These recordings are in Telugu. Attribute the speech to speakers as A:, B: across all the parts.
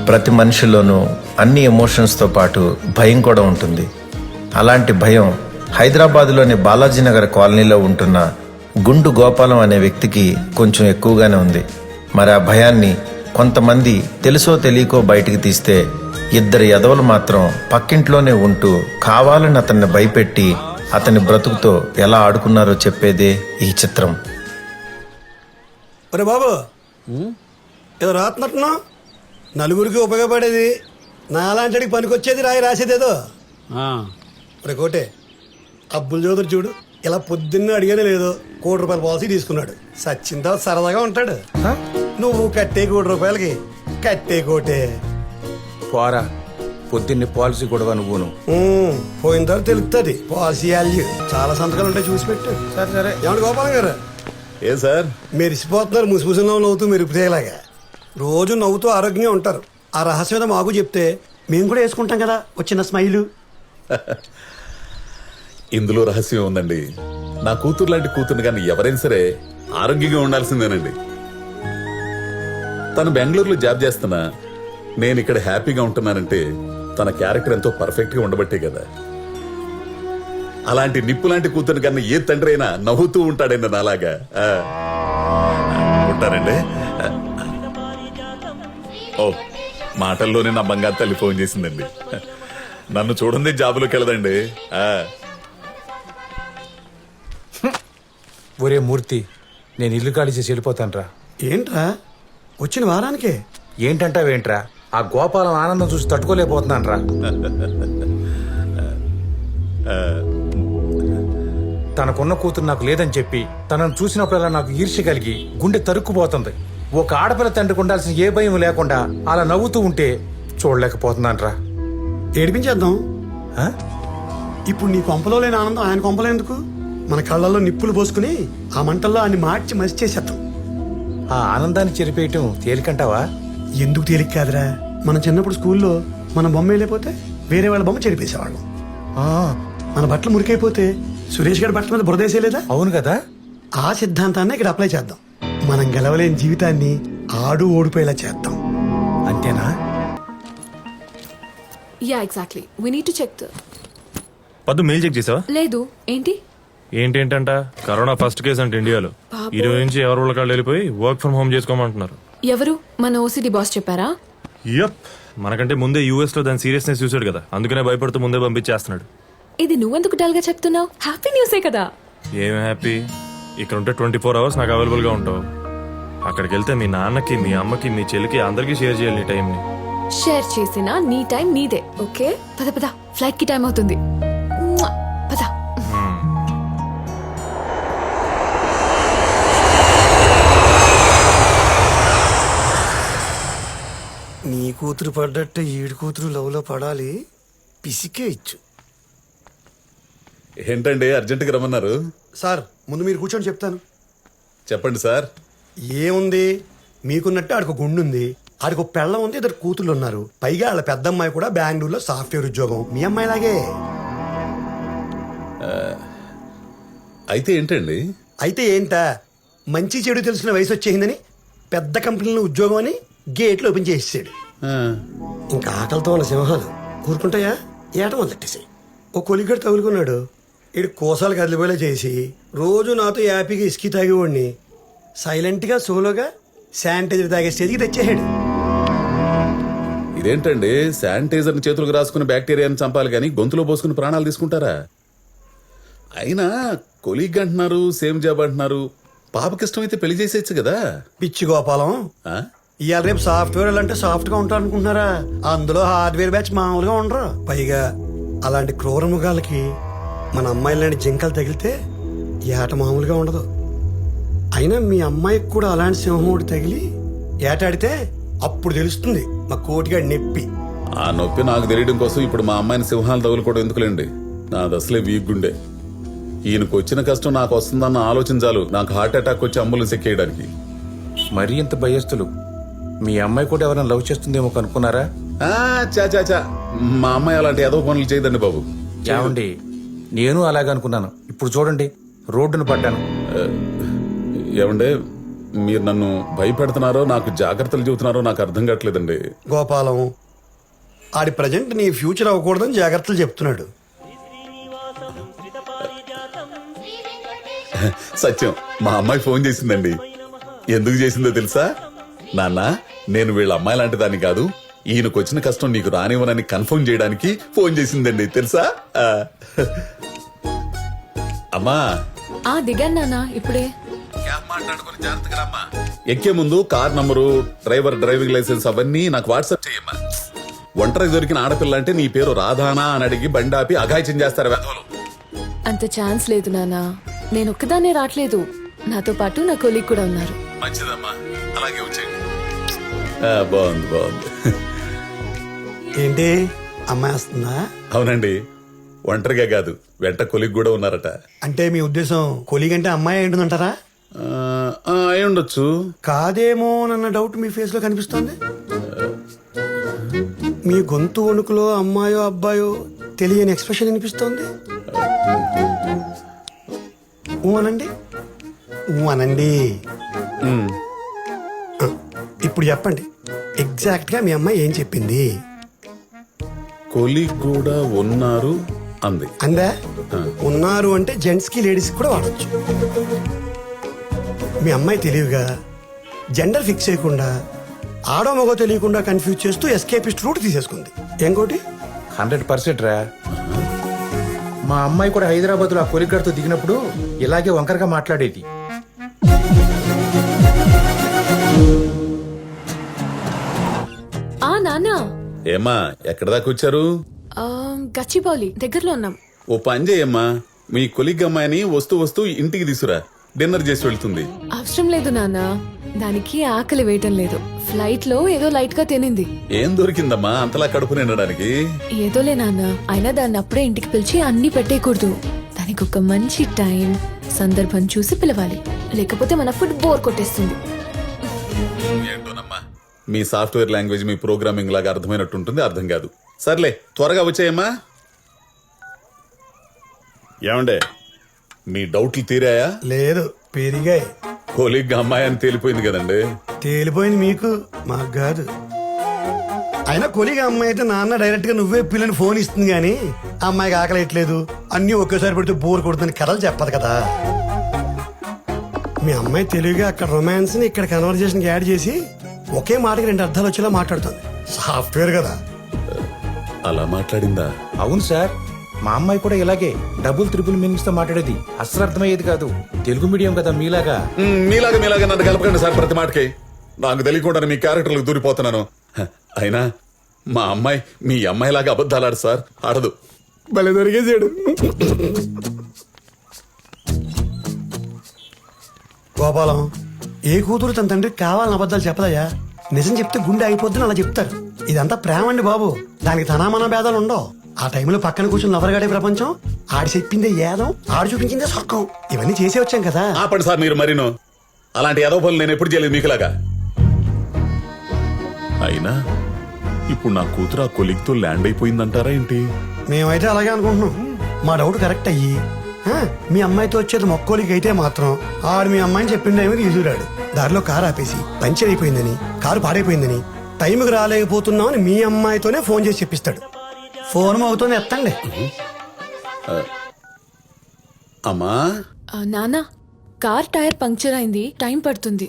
A: ప్రతి మనిషిలోనూ అన్ని ఎమోషన్స్తో పాటు భయం కూడా ఉంటుంది. అలాంటి భయం హైదరాబాద్లోని బాలాజీనగర్ కాలనీలో ఉంటున్న గుండు గోపాలం అనే వ్యక్తికి కొంచెం ఎక్కువగానే ఉంది. మరి ఆ భయాన్ని కొంతమంది తెలుసో తెలియకో బయటికి తీస్తే, ఇద్దరు ఎదవలు మాత్రం పక్కింట్లోనే ఉంటూ కావాలని అతన్ని భయపెట్టి అతని బ్రతుకుతో ఎలా ఆడుకున్నారో చెప్పేదే ఈ చిత్రం.
B: ఒరే బాబు, ఏదో రాత్నట్టున్నా నలుగురికి ఉపయోగపడేది, నాలాంటికి పనికొచ్చేది రాసేదేదో. ఒరే కోటే, అబ్బుల్ చౌదరి చూడు, ఇలా పొద్దున్న అడిగానే లేదు ₹1,00,00,000 పాలసీ తీసుకున్నాడు. సచ్చిందా సరదాగా ఉంటాడు. నువ్వు కట్టే ₹1,00,00,000కి కట్టే కోటే
C: పోరా, పొద్దున్నే పాలసీ కూడా నువ్వును.
B: పోయిన తర్వాత తెలుస్తుంది పాలసీ వాల్యూ. చాలా సంతకాలు ఉంటాయి, చూసి పెట్టు.
C: సరే సరే.
B: ఏమండి గోపాలం గారు,
D: ఏ సార్
B: మెరిసిపోతున్నారు ముసిముసిలో నవ్వుతూ మెరుపుతేలాగా. రోజు నవ్వుతూ ఆరోగ్యంగా ఉంటారు. ఆ రహస్యం ఏదో మాకు చెప్తే మేము కూడా వేసుకుంటాం కదా వచ్చిన స్మైలు.
D: ఇందులో రహస్యం ఉందండి. నా కూతురు లాంటి కూతురు కానీ ఎవరైనా సరే ఆరోగ్యంగా ఉండాల్సిందేనండి. తను బెంగళూరులో జాబ్ చేస్తున్నా నేను ఇక్కడ హ్యాపీగా ఉంటున్నానంటే తన క్యారెక్టర్ ఎంతో పర్ఫెక్ట్ గా ఉండబట్టే కదా. అలాంటి నిప్పు లాంటి కూతురు కన్నా ఏ తండ్రి అయినా నవ్వుతూ ఉంటాడండి నాలాగా. ఉంటారండి. ఓ, మాటల్లోనే నా బంగారు తల్లి ఫోన్ చేసిందండి. నన్ను చూడండి జాబులోకి వెళ్ళదండి.
C: ఒరే మూర్తి, నేను ఇల్లు ఖాళీ చేసి వెళ్ళిపోతానురా.
B: ఏంట్రా వచ్చిన వారానికే?
C: ఏంటంటావేంట్రా, ఆ గోపాలం ఆనందం చూసి తట్టుకోలేకపోతున్నానురా. తనకున్న కూతురు నాకు లేదని చెప్పి తనను చూసినప్పుడల్లా నాకు ఈర్ష్య కలిగి గుండె తరుక్కుపోతుంది. ఒక ఆడపిల్ల తండ్రికి ఉండాల్సిన ఏ భయం లేకుండా అలా నవ్వుతూ ఉంటే చూడలేకపోతున్నానురా.
B: ఏడిపించేద్దాం. ఇప్పుడు నీ కొంపలో లేని ఆనందం ఆయన కొంపలో ఎందుకు? మన కళ్ళల్లో నిప్పులు పోసుకుని ఆ మంటల్లో ఆయన మార్చి మసి చేసేద్దాం.
C: ఆ ఆనందాన్ని చెరిపేయటం తేలికంటావా?
B: ఎందుకు తేలిక కాదురా, మన చిన్నప్పుడు స్కూల్లో మన బొమ్మ వెళ్ళిపోతే వేరే వాళ్ళ బొమ్మ చెరిపేసేవాళ్ళం. మన బట్టలు మురికైపోతే సురేష్ గారి బట్టల మీద బురదేసేలేదా?
C: అవును కదా.
B: ఆ సిద్ధాంతాన్ని ఇక్కడ అప్లై చేద్దాం. మనం గెలవలేని జీవితాన్ని ఆడు ఓడిపోయేలా చేద్దాం.
C: అంతేనా?
E: Yeah exactly. We need to check.
F: Paddu mail check చేసావా?
E: లేదు. ఏంటి
F: ఏంటంట కరోనా ఫస్ట్ కేసు అంటే ఇండియాలో. ఈ రోజు నుంచి ఎవరు వాళ్ళకాళ్ళు వెళ్ళిపోయి వర్క్ ఫ్రం హోమ్ చేసుకోమంటున్నారు.
E: ఎవరు? మన ఓసిడి బాస్ చెప్పారా?
F: యప్, మనకంటే ముందే యూఎస్ లో దాని సీరియస్నెస్ చూసాడు కదా, అందుకనే భయపడుతూ ముందే పంపించేస్తున్నాడు.
E: ఇది నువ్వెందుకు డల్ గా చెప్తున్నావు? హ్యాపీ న్యూసే కదా.
F: ఏం హ్యాపీ? ఇక్కడ ఉంటే 24 hours నాకు అవైలబుల్ గా ఉంటావు. అక్కడికి వెళ్తే మీ నాన్నకి, మీ అమ్మకి, మీ చెల్లికి అందరికీ షేర్ చేయాలి నీ టైం ని.
E: షేర్ చేసినా నీ టైం నీదే. ఓకే, పద పద, ఫ్లైట్ కి టైం అవుతుంది. పద.
B: నీ కూతురు పడ్డట్టు ఈడు కూతురు లవ్లో పడాలి. పిసికే ఇచ్చు.
D: ఏంటండి అర్జెంటుగా రమ్మన్నారు?
B: సార్ ముందు మీరు కూర్చొని చెప్తాను.
D: చెప్పండి సార్.
B: ఏముంది, మీకున్నట్టు ఆడికి గుండుంది, ఆడికి పెళ్ళం ఉంది, ఇద్దరు కూతుళ్ళు ఉన్నారు. పైగా వాళ్ళ పెద్ద అమ్మాయి కూడా బెంగళూరులో సాఫ్ట్వేర్ ఉద్యోగం, మీ అమ్మాయిలాగే.
D: అయితే ఏంటండి?
B: అయితే ఏంటా, మంచి చెడు తెలిసిన వయసు వచ్చేసిందని పెద్ద కంపెనీలో ఉద్యోగం అని గేట్లు ఓపెన్ చేసేసాడు. ఇంకా ఆకలితో ఉన్న సింహాలు ఊరుకుంటాయా? ఏట మొదలెట్టేసాయి. ఓ కొలిగడు తగులుకున్నాడు. ఇడు కోసాలు కదిలిపోయేలా చేసి రోజు నాతో హ్యాపీగా ఇసుకి తాగేవాడిని సైలెంట్గా సోలోగా శానిటైజర్ తాగే స్టేజ్కి తెచ్చేసాడు.
D: ఇదేంటండి, శానిటైజర్ చేతులకు రాసుకుని బ్యాక్టీరియాని చంపాలి కానీ గొంతులో పోసుకుని ప్రాణాలు తీసుకుంటారా? అయినా కొలీగ్ అంటున్నారు, సేమ్ జాబ్ అంటున్నారు. పాపకి ఇష్టమైతే పెళ్లి చేసేయచ్చు కదా.
B: పిచ్చి గోపాలం, ఇవాళ రేపు సాఫ్ట్వేర్ అంటే సాఫ్ట్ గా ఉంటారు అనుకుంటున్నారా? అందులో హార్డ్వేర్ బ్యాచ్ మామూలుగా ఉండరు. పైగా అలాంటి క్రూర మృగాలకి మన అమ్మాయిలాంటి జింకలు తగిలితే ఏట మామూలుగా ఉండదు. అయినా మీ అమ్మాయికి కూడా అలాంటి సింహముడు తగిలి ఏటాడితే అప్పుడు తెలుస్తుంది మా కోటిగాడి నొప్పి.
D: ఆ నొప్పి నాకు తెలియడం కోసం ఇప్పుడు మా అమ్మాయిని సింహాలు తగులుకోవడం ఎందుకులేండి. నాది అసలే వీక్ గుండె. ఈయనకు వచ్చిన కష్టం నాకు వస్తుందన్న ఆలోచన చాలు నాకు హార్ట్ అటాక్ వచ్చి అంబులెన్స్ ఎక్కేయడానికి.
C: మరీ ఇంత భయస్తులు. మీ అమ్మాయి కూడా ఎవరైనా లవ్ చేస్తుందేమో కనుక్కున్నారా?
D: చా మా అమ్మాయి అలాంటి ఏదో పనులు చేయదండి బాబు.
C: ఏమండి, నేను అలాగే అనుకున్నాను. ఇప్పుడు చూడండి, రోడ్డును పడ్డాను.
D: ఏమండే, మీరు నన్ను భయపెడుతున్నారో నాకు జాగ్రత్తలు చెబుతున్నారో నాకు అర్థం కావట్లేదండి.
B: గోపాలం ఆడి ప్రజెంట్ నీ ఫ్యూచర్ అవ్వకూడదని జాగ్రత్తలు చెప్తున్నాడు.
D: సత్యం, మా అమ్మాయి ఫోన్ చేసిందండి. ఎందుకు చేసిందో తెలుసా? నాన్న, నేను వీళ్ళ అమ్మాయి లాంటి దాన్ని కాదు, ఈయనకు వచ్చిన కష్టం నీకు రానివ్వనని కన్ఫర్మ్ చేయడానికి ఫోన్ చేసిందండి తెలుసా? అమ్మా
E: దిగాను నాన్న ఇప్పుడే.
D: ఎక్కే ముందు car number, driver driving licence అవన్నీ నాకు వాట్సాప్ చేయమ్మా. ఒంటరి దొరికిన ఆడపిల్ల అంటే నీ పేరు రాధానా అని అడిగి బండి ఆపి అఘాయిత్యం చేస్తారు వెధవలు.
E: అంత ఛాన్స్ లేదు నాన్న. నేను ఒక్కదాన్నే రావట్లేదు, నాతో పాటు నా కొలీగ్ కూడా ఉన్నారు.
D: మంచిదమ్మా, అలాగే వచ్చేయండి. బాగుంది బాగుంది.
B: ఏంటి అమ్మాయి వస్తుందా?
D: అవునండి, ఒంటరిగా కాదు, వెంట కొలిగ్ కూడా ఉన్నారట.
B: అంటే మీ ఉద్దేశం కొలీగ్ అంటే అమ్మాయి ఏంటంటారా?
D: అయి ఉండొచ్చు.
B: కాదేమో అన్న డౌట్ మీ ఫేస్ లో కనిపిస్తోంది. మీ గొంతు వణుకులో అమ్మాయో అబ్బాయో తెలియని ఎక్స్ప్రెషన్ వినిపిస్తోంది. అనండి అనండి. ఇప్పుడు చెప్పండి, ఎగ్జాక్ట్ గా మీ అమ్మాయి ఏం చెప్పింది?
D: కొలిగ్ కూడా ఉన్నారు అంది.
B: అందా? ఉన్నారు అంటే జెంట్స్ కి లేడీస్ కూడా వాడచ్చు. మీ అమ్మాయి తెలివిగా జెండర్ ఫిక్స్ చేయకుండా ఆడో మగో తెలియకుండా కన్ఫ్యూజ్ చేస్తూ ఎస్కేపిస్ట్ రూట్ తీసేసుకుంది. ఇంకోటి
C: 100% రా. మా అమ్మాయి కూడా హైదరాబాద్ లో ఆ కొలిగ్గాడితో దిగినప్పుడు ఇలాగే వంకరగా మాట్లాడేది.
E: నాన్న,
D: ఏమ్మా ఎక్కడ దాకా వచ్చారు?
E: గచ్చిబౌలి దగ్గరలో ఉన్నాం.
D: ఓ పని చేయమ్మా, మీ కొలిగ్ అమ్మాయిని వస్తూ వస్తూ ఇంటికి తీసురా, డిన్నర్ చేసి వెళ్తుంది.
E: అవసరం లేదు నాన్న, దానికి ఆకలి వేయటం లేదు. ఫ్లైట్ లో ఏదో లైట్ గా తినింది.
D: ఏం దొరికిందమ్మా అంతలా కడుపు నిండడానికి?
E: ఏదోలే నాన్న, అయినా దాన్ని అప్పుడే ఇంటికి పిలిచి అన్ని పెట్టేయకూడదు. దానికి ఒక మంచి టైం సందర్భం చూసి పిలవాలి, లేకపోతే మన ఫుడ్ బోర్ కొట్టేస్తుంది.
D: ఏంటోనమ్మా, మీ సాఫ్ట్వేర్ లాంగ్వేజ్ మీ ప్రోగ్రామింగ్ లాగా అర్థమైనట్టు ఉంటుంది, అర్థం కాదు. సర్లే త్వరగా వచ్చాయమ్మా. ఏమండే, మీ డౌట్లు తీరాయా?
B: లేదు, పెరిగాయి.
D: కొలిగ్ అమ్మాయి అని తేలిపోయింది కదండి.
B: తేలిపోయింది మీకు, మాకు కాదు. అయినా కొలిగా అమ్మాయి అయితే నాన్న డైరెక్ట్ గా నువ్వే పిల్లని ఫోన్ ఇస్తుంది గానీ అమ్మాయికి ఆకలేయట్లేదు అన్ని ఒకేసారి పెడితే బోర్ కొడుతుంది కథలు చెప్పదు కదా. మీ అమ్మాయి తెలివిగా అక్కడ రొమాన్స్ ని ఇక్కడ కన్వర్జేషన్ యాడ్ చేసి ఒకే మాటకి 2 అర్థాలు వచ్చేలా మాట్లాడుతుంది. సాఫ్ట్వేర్ కదా.
D: అలా మాట్లాడిందా?
C: అవును సార్, మా అమ్మాయి కూడా ఇలాగే డబుల్ త్రిబుల్ మీనింగ్స్ తో మాట్లాడేది. అస్సలు అర్థమయ్యేది కాదు. తెలుగు మీడియం కదా మీలాగా.
D: మీలాగా నన్ను కలపకండి సార్ ప్రతి మాటకి. నాకు తెలియకుండా మీ క్యారెక్టర్లకు దూరిపోతున్నాను. అయినా మా అమ్మాయి మీ అమ్మాయిలాగా అబద్ధాలు ఆడు సార్, ఆడదు.
B: భలే దొరికేసాడు. గోపాలం, ఏ కూతురు తన తండ్రికి కావాలని అబద్ధాలు చెప్పదయ్యా. నిజం చెప్తే గుండె అయిపోద్దని అలా చెప్తారు. ఇదంతా ప్రేమ అండి బాబు, దానికి తనామన భేదాలు ఉండవు. ఆ టైంలో పక్కన కూర్చొని నవరగాడే ప్రపంచం, ఆడి చెప్పిందే ఏదం, ఆడు చూపించిందే స్వర్గం. ఇవన్నీ చేసే వచ్చాం కదా.
D: ఆపండి సార్ మీరు మరీను. అలాంటి ఏదో పనులు నేను ఎప్పుడు చేయలేదు మీకులాగా. అయినా ఇప్పుడు నా కూతురు ఆ కొలిగ్తో ల్యాండ్ అయిపోయిందంటారా ఏంటి?
B: మేమైతే అలాగే అనుకుంటున్నాం. మా డౌట్ కరెక్ట్ అయ్యి మీ అమ్మాయితో వచ్చేది మొక్కోలికి అయితే మాత్రం ఆడు మీ అమ్మాయిని చెప్పిన టైంకి తీసుకురాడు. దారిలో కారు ఆపేసి పంచర్ అయిపోయిందని, కారు పాడైపోయిందని, టైంకి రాలేకపోతున్నామని మీ అమ్మాయితోనే ఫోన్ చేసి చెప్పిస్తాడు. ఫోన్ అవుతూనే ఎత్తండి.
D: అమ్మా
E: నాన్న, కార్ టైర్ పంక్చర్ అయింది, టైం పడుతుంది.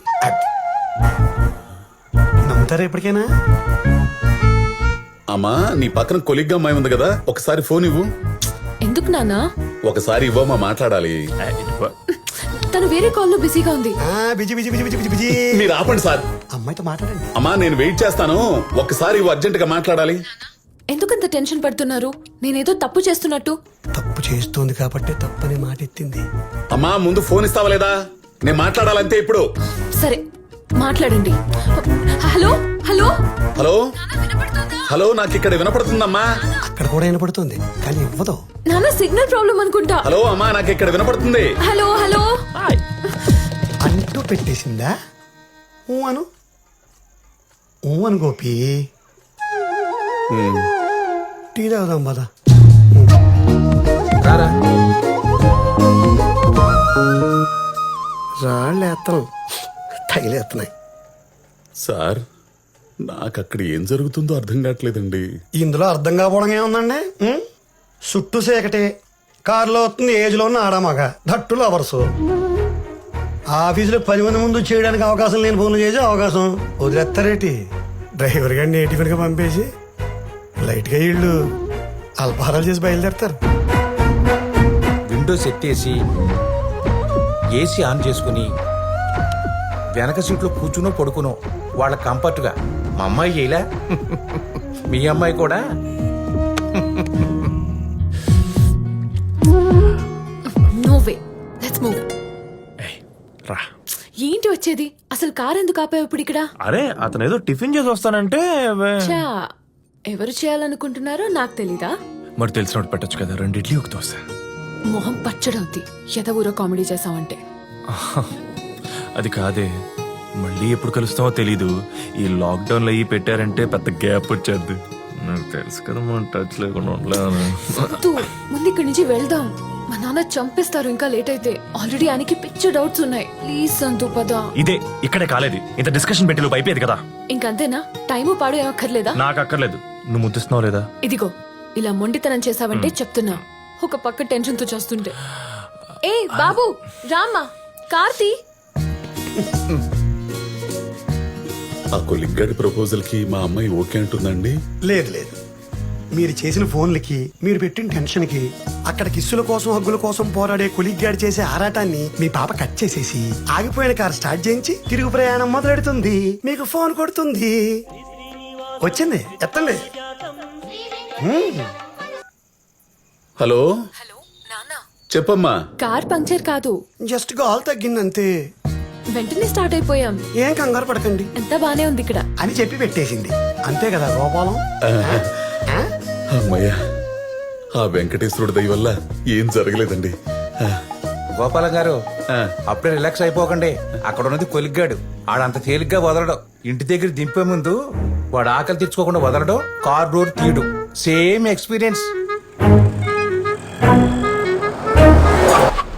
B: నమ్ముతారా ఎప్పటికైనా?
D: అమ్మా, నీ పక్కన కొలిగ్గా అమ్మాయి ఉంది కదా, ఒకసారి ఫోన్ ఇవ్వు.
E: ఎందుకు నాన్న?
D: ఒకసారి ఇవ్వమ్మా, మాట్లాడాలి.
E: తను వేరే కాల్లో బిజీగా ఉంది.
B: Busy busy busy busy busy.
D: మీరు ఆపండి సార్.
B: అమ్మాయితో మాట్లాడండి.
D: అమ్మా నేను వెయిట్ చేస్తాను, ఒక్కసారి ఇవ్వు, అర్జెంట్ గా మాట్లాడాలి.
E: ఎందుకంత టెన్షన్ పడుతున్నారు? నేనేదో తప్పు చేస్తున్నట్టు.
B: తప్పు చేస్తోంది కాబట్టి తప్పని మాట ఎత్తింది.
D: అమ్మా ముందు ఫోన్ ఇస్తావా లేదా? నేను మాట్లాడాలంతే ఇప్పుడు.
E: సరే మాట్లాడండి. హలో హలో
D: హలో హలో, నాకు ఇక్కడ వినపడుతుందమ్మా.
B: అక్కడ కూడా వినపడుతుంది కానీ ఇవ్వదు.
E: నాన్న సిగ్నల్ ప్రాబ్లం అనుకుంటా.
D: హలో అమ్మా, నాకు ఇక్కడ వినపడుతుంది.
E: హలో హలో
B: అంటూ పెట్టేసిందా? ఊ అను గోపి. టీ తాగుదాం పద.
C: రారా.
B: రాళ్ళేస్తాం తగిలేస్తున్నాయి.
D: సార్ నాకు అక్కడ ఏం జరుగుతుందో అర్థం కావట్లేదండి.
B: ఇందులో అర్థం కాకపోవడం ఏముందండి? చుట్టూ సేకటే, కారులో వస్తుంది ఏజ్లో ఉన్న ఆడామగ, దట్టు లవర్సు. ఆఫీసులో 10 మంది ముందు చేయడానికి అవకాశం లేని ఫోన్లు చేసే అవకాశం వదిలేస్తారేటి? డ్రైవర్ గారిని గా పంపేసి లైట్గా వీళ్ళు అల్పాహారాలు చేసి బయలుదేరతారు.
C: విండో సెట్ చేసి ఏసీ ఆన్ చేసుకుని వెనక సీట్లో కూర్చునో పడుకునో వాళ్ళ కంఫర్ట్గా మా అమ్మాయి చేయలే మీ అమ్మాయి కూడా
E: నో వే, లెట్స్ మూవ్.
F: ఏయ్, రా.
E: ఏంటి వచ్చేది? అసలు కార్ ఎందుకు ఆపావు ఇప్పుడు ఇక్కడ?
F: అరే అతను ఏదో టిఫిన్ చేసి వస్తానంటే
E: చా, ఎవరు చేయాలనుకుంటున్నారో నాకు తెలీదా?
F: మరి తెలిసినట్టు పెట్టచ్చు కదా, 2 ఇడ్లీ ఒక దోశ.
E: మొహం పచ్చడవుద్ది ఎద ఊరో కామెడీ చేసావంటే.
F: అది కాదే, మళ్ళీ ఎప్పుడు కలుస్తామో తెలీదు. ఈ లాక్డౌన్ లో అయ్యి పెట్టారంటే పెద్ద గ్యాప్ వచ్చేద్ది. నాకు తెలుసు కదా మనం టచ్ లేకుండా ఉండలేను.
E: వద్దు, ముందు ఇక్కడి నుంచి వెళ్దాం. మా నాన్న చంపేస్తారు ఇంకా లేట్ అయితే. ఆల్రెడీ ఆయనకి పిచ్చి డౌట్స్ ఉన్నాయి. ప్లీజ్ సంతు పద.
F: ఇదే ఇక్కడే కాలేదు, ఇంత డిస్కషన్ పెట్టి లోపు అయిపోయేది కదా.
E: ఇంకంతేనా? టైము పాడు ఏమక్కర్లేదా?
F: నాకు అక్కర్లేదు. నువ్వు ముద్దిస్తున్నావు లేదా?
E: ఇదిగో ఇలా మొండితనం చేసావంటే చెప్తున్నా, ఒక పక్క టెన్షన్ తో చేస్తుంటే. ఏ బాబు రామ్మా, కార్తీ.
D: ఆ కొలిగ్గాడి ప్రపోజల్ కి మా అమ్మాయి ఓకే అంటుందండి.
B: లేదు లేదు, మీరు చేసిన ఫోన్లకి, మీరు పెట్టిన టెన్షన్కి, అక్కడ కిస్సుల కోసం హగ్గుల కోసం పోరాడే కొలిగ్గాడి చేసే ఆరాటాన్ని మీ పాప కట్ చేసేసి ఆగిపోయిన కార్ స్టార్ట్ చేయించి తిరుగు ప్రయాణం మొదలెడుతుంది. మీకు ఫోన్ కొడుతుంది. వచ్చింది, ఎత్తండి.
D: హలో
E: హలో నాన్న,
D: చెప్పమ్మా.
E: కార్ పంక్చర్ కాదు,
B: జస్ట్ గాల్ తగ్గిందంతే.
E: వెంటనే స్టార్ట్ అయిపోయాం.
B: ఏం కంగారు పడకండి
E: ఎంత బానే ఉంది ఇక్కడ
B: అని చెప్పి పెట్టేసింది. అంతే కదా గోపాలం? ఆ?
D: అమ్మయ్యా, ఆ వెంకటేశ్వరుడి దయ వల్ల ఏం జరగలేదండి.
C: గోపాలం గారు అప్పుడే రిలాక్స్ అయిపోకండి. అక్కడ ఉన్నది కొలిగ్గాడు, ఆడంత తేలిగ్గా వదలడు. ఇంటి దగ్గర దింపే ముందు వాడు ఆకలి తెచ్చుకోకుండా వదలడు, కార్ డోర్ తీయడు. Same experience.